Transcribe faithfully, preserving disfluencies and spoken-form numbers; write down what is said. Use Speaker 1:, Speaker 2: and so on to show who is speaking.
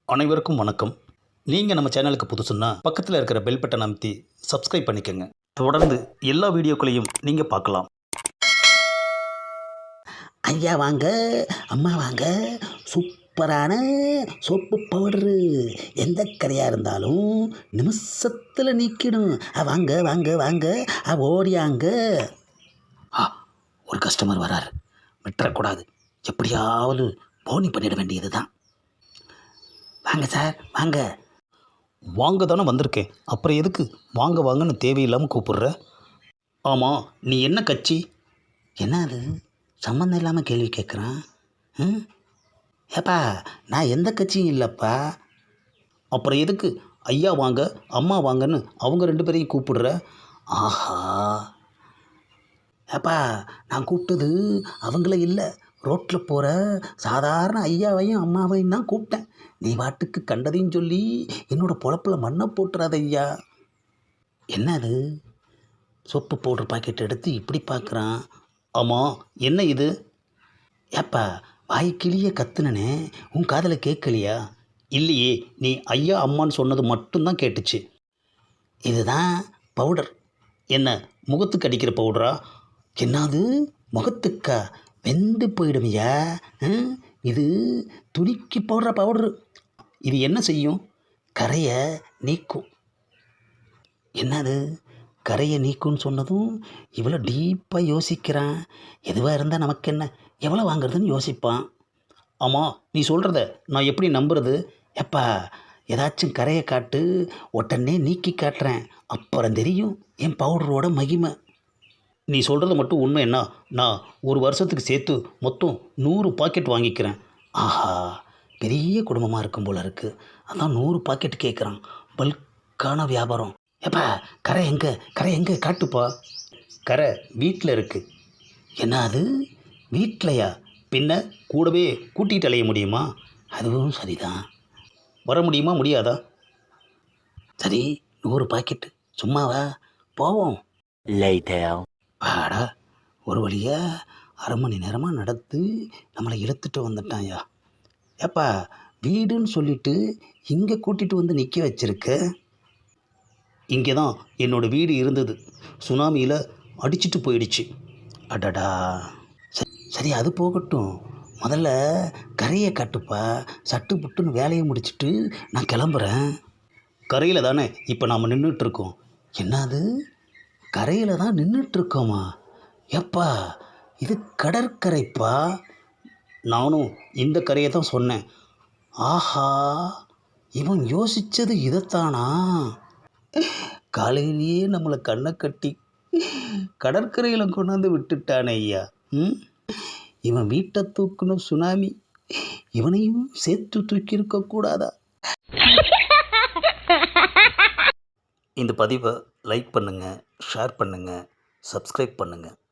Speaker 1: அனைவருக்கும் வணக்கம். நீங்கள் நம்ம சேனலுக்கு புதுசுன்னா பக்கத்தில் இருக்கிற பெல் பட்டன் அமைத்தி சப்ஸ்கிரைப் பண்ணிக்கோங்க. தொடர்ந்து எல்லா வீடியோக்களையும் நீங்கள் பார்க்கலாம்.
Speaker 2: ஐயா வாங்க, அம்மா வாங்க. சூப்பரான சோப்பு பவுடரு எந்த கரையாக இருந்தாலும் நிமிஷத்தில் நீக்கிடும். அ, வாங்க வாங்க வாங்க, அ, ஓடியாங்க. ஆ, ஒரு கஸ்டமர் வராரு, விட்டுறக்கூடாது. எப்படியாவது போனி பண்ணிட வேண்டியது தான். வாங்க சார், வாங்க.
Speaker 1: வாங்க தானே வந்திருக்கேன், அப்புறம் எதுக்கு வாங்க வாங்கன்னு தேவையில்லாமல் கூப்பிடுற? ஆமாம், நீ என்ன கட்சி?
Speaker 2: என்ன அது சம்மந்தம் இல்லாமல் கேள்வி கேட்குறான்? ம் ஏப்பா, நான் எந்த கட்சியும் இல்லைப்பா.
Speaker 1: அப்புறம் எதுக்கு ஐயா வாங்க அம்மா வாங்கன்னு அவங்க ரெண்டு பேரையும் கூப்பிடுற?
Speaker 2: ஆஹா, ஏப்பா, நான் கூப்பிட்டது அவங்கள இல்லை, ரோட்டில் போகிற சாதாரண ஐயாவையும் அம்மாவையும் தான் கூப்பிட்டேன். நீ வாட்டுக்கு கண்டதையும் சொல்லி என்னோடய பொழப்பில் மண்ணை போட்டுறாத ஐயா. என்ன அது சோப்பு பவுடர் பாக்கெட் எடுத்து இப்படி பார்க்குறான்?
Speaker 1: ஆமாம், என்ன இது?
Speaker 2: ஏப்பா, வாய் கிளிய கத்துனனே, உன் காதில் கேட்கலையா?
Speaker 1: இல்லையே, நீ ஐயா அம்மான்னு சொன்னது மட்டும்தான் கேட்டுச்சு.
Speaker 2: இதுதான் பவுடர்.
Speaker 1: என்ன, முகத்துக்கு அடிக்கிற பவுடரா?
Speaker 2: என்னது முகத்துக்கா? வெந்து போயிடுமையா? ம், இது துணிக்கு போடுற பவுடரு.
Speaker 1: இது என்ன செய்யும்?
Speaker 2: கரையை நீக்கும். என்னது கரையை நீக்கும்னு சொன்னதும் இவ்வளோ டீப்பாக யோசிக்கிறான். எதுவாக இருந்தால் நமக்கு என்ன, எவ்வளோ வாங்குறதுன்னு யோசிப்பான்.
Speaker 1: ஆமாம், நீ சொல்கிறத நான் எப்படி நம்புறது?
Speaker 2: எப்பா, ஏதாச்சும் கரையை காட்டு, உடனே நீக்கி காட்டுறேன். அப்புறம் தெரியும் என் பவுடரோட மகிமை.
Speaker 1: நீ சொல்கிறது மட்டும் உண்மை என்ன? நான் ஒரு வருஷத்துக்கு சேர்த்து மொத்தம் நூறு பாக்கெட் வாங்கிக்கிறேன்.
Speaker 2: ஆஹா, பெரிய குடும்பமாக இருக்கும் போல இருக்குது. அதான் நூறு பாக்கெட் கேட்குறான். பல்கான வியாபாரம். எப்பா, கரை எங்கே, கரை எங்கே காட்டுப்பா.
Speaker 1: கரை வீட்டில் இருக்குது.
Speaker 2: என்ன அது வீட்லையா?
Speaker 1: பின்ன கூடவே கூட்டிகிட்டு அலைய முடியுமா?
Speaker 2: அதுவும் சரிதான்.
Speaker 1: வர முடியுமா முடியாதா?
Speaker 2: சரி, நூறு பாக்கெட்டு சும்மாவா? போவோம். வாடா, ஒரு வழியா அரை மணி நேரமாக நடத்து நம்மளை இழுத்துட்டு வந்துட்டான்யா. ஏப்பா, வீடுன்னு சொல்லிட்டு இங்கே கூட்டிகிட்டு வந்து நிற்க வச்சிருக்க.
Speaker 1: இங்கே தான் என்னோடய வீடு இருந்தது, சுனாமியில் அடிச்சிட்டு போயிடுச்சு.
Speaker 2: அடடா, சரி சரி, அது போகட்டும். முதல்ல கரையை காட்டுப்பா. சட்டு புட்டுன்னு வேலையை முடிச்சுட்டு நான் கிளம்புறேன்.
Speaker 1: கரையில் தானே இப்போ நாம் நின்றுட்டுருக்கோம்.
Speaker 2: என்னது கரையில் தான் நின்றுட்டுருக்கோமா? எப்பா, இது கடற்கரைப்பா.
Speaker 1: நானும் இந்த கரையை தான் சொன்னேன்.
Speaker 2: ஆஹா, இவன் யோசித்தது இதைத்தானா?
Speaker 1: காலையிலேயே நம்மளை கண்ணை கட்டி கடற்கரையில் கொண்டாந்து விட்டுட்டானே ஐயா. ம்
Speaker 2: இவன் வீட்டை தூக்கணும் சுனாமி, இவனையும் சேர்த்து தூக்கி இருக்கக்கூடாதா?
Speaker 1: இந்த பதிவை லைக் பண்ணுங்கள், ஷேர் பண்ணுங்கள், சப்ஸ்கிரைப் பண்ணுங்கள்.